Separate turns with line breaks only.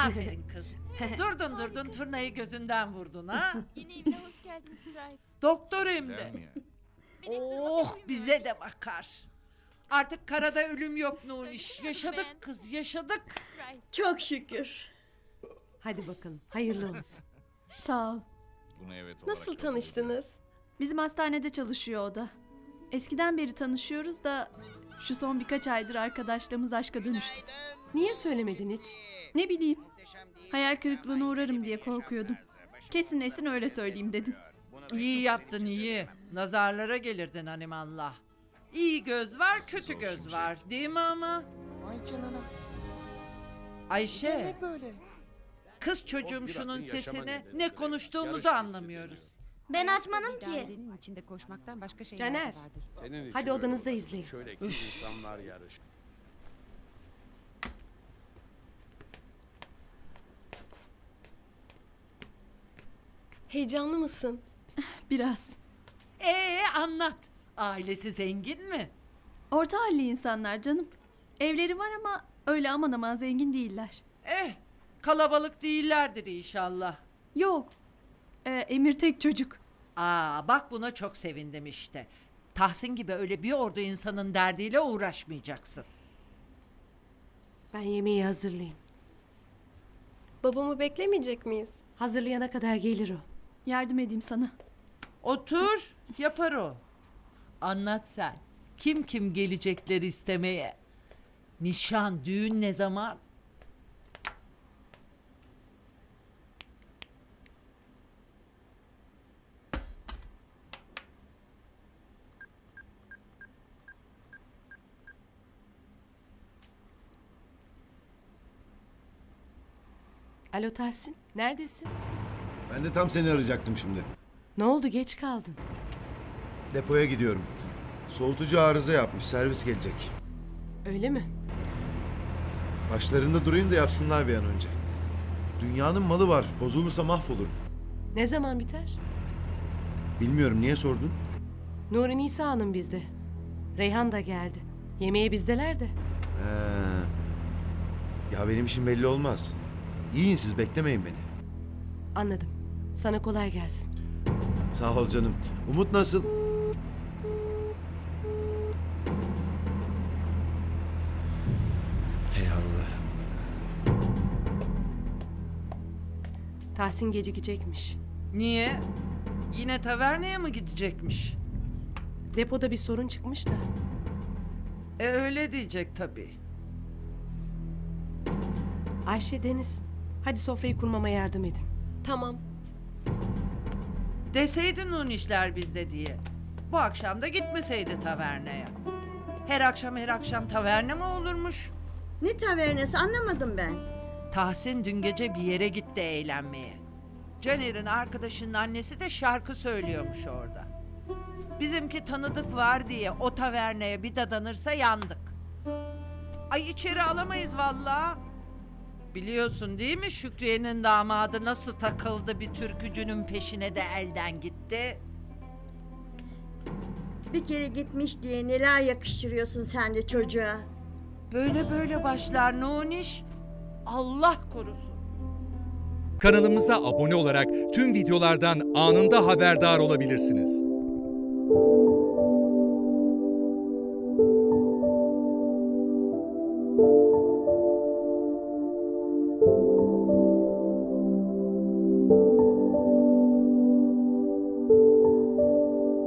Aferin kız. Durdun turnayı gözünden vurdun ha.
Yeni evine hoş geldiniz Stripes.
Doktor hem de.
Değil mi ya?
Oh bize de bakar. Artık karada ölüm yok Nuniş. Yaşadık kız yaşadık.
Çok şükür.
Hadi bakalım. Hayırlı olsun.
Sağ ol.
Buna evet olarak
Nasıl
çok
tanıştınız?
Bizim hastanede çalışıyor o da. Eskiden beri tanışıyoruz da şu son birkaç aydır arkadaşlığımız aşka dönüştü.
Niye söylemedin hiç?
Ne bileyim. Hayal kırıklığına uğrarım diye korkuyordum. Kesinleşsin öyle söyleyeyim dedim.
İyi yaptın iyi. Nazarlara gelirdin animallah. İyi göz var kötü göz var değil mi ama?
Ay canına.
Ayşe
Ne böyle?
kız çocuğum şunun sesini ne konuştuğumuzu anlamıyoruz.
Ben açmadım ki.
Dairenin içinde koşmaktan başka şeyler
Caner.
vardır.
Senin için
Hadi odanızda
böyle
izleyin.
Şöyle iki insanlar yarış.
Heyecanlı mısın?
Biraz.
Anlat. Ailesi zengin mi?
Orta halli insanlar canım. Evleri var ama öyle aman aman zengin değiller.
Kalabalık değillerdir inşallah.
Yok. Emir tek çocuk.
Bak buna çok sevindim işte. Tahsin gibi öyle bir ordu insanın derdiyle uğraşmayacaksın.
Ben yemeği hazırlayayım.
Babamı beklemeyecek miyiz?
Hazırlayana kadar gelir o.
Yardım edeyim sana.
Otur, yapar o. Anlat sen. Kim gelecekler istemeye? Nişan, düğün ne zaman?
Alo Tahsin, neredesin?
Ben de tam seni arayacaktım şimdi.
Ne oldu, geç kaldın?
Depoya gidiyorum. Soğutucu arıza yapmış, servis gelecek.
Öyle mi?
Başlarında durayım da yapsınlar bir an önce. Dünyanın malı var, bozulursa mahvolurum.
Ne zaman biter?
Bilmiyorum, niye sordun?
Nuri Nisa Hanım bizde. Reyhan da geldi. Yemeğe bizdeler de.
Ya benim işim belli olmaz. Yiyin siz, beklemeyin beni.
Anladım. Sana kolay gelsin.
Sağ ol canım. Umut nasıl? Hey Allah'ım.
Tahsin gecikecekmiş.
Niye? Yine taverneye mi gidecekmiş?
Depoda bir sorun çıkmış da.
Öyle diyecek tabii.
Ayşe, Deniz. Hadi sofrayı kurmama yardım edin.
Tamam.
Deseydin onun işler bizde diye. Bu akşam da gitmeseydi taverneye. Her akşam taverne mi olurmuş?
Ne tavernesi anlamadım ben.
Tahsin dün gece bir yere gitti eğlenmeye. Caner'in arkadaşının annesi de şarkı söylüyormuş orada. Bizimki tanıdık var diye o taverneye bir dadanırsa yandık. Ay içeri alamayız vallahi. Biliyorsun değil mi Şükriye'nin damadı nasıl takıldı bir türkücünün peşine de elden gitti.
Bir kere gitmiş diye neler yakıştırıyorsun sen de çocuğa.
Böyle başlar Nuniş. Allah korusun.
Kanalımıza abone olarak tüm videolardan anında haberdar olabilirsiniz.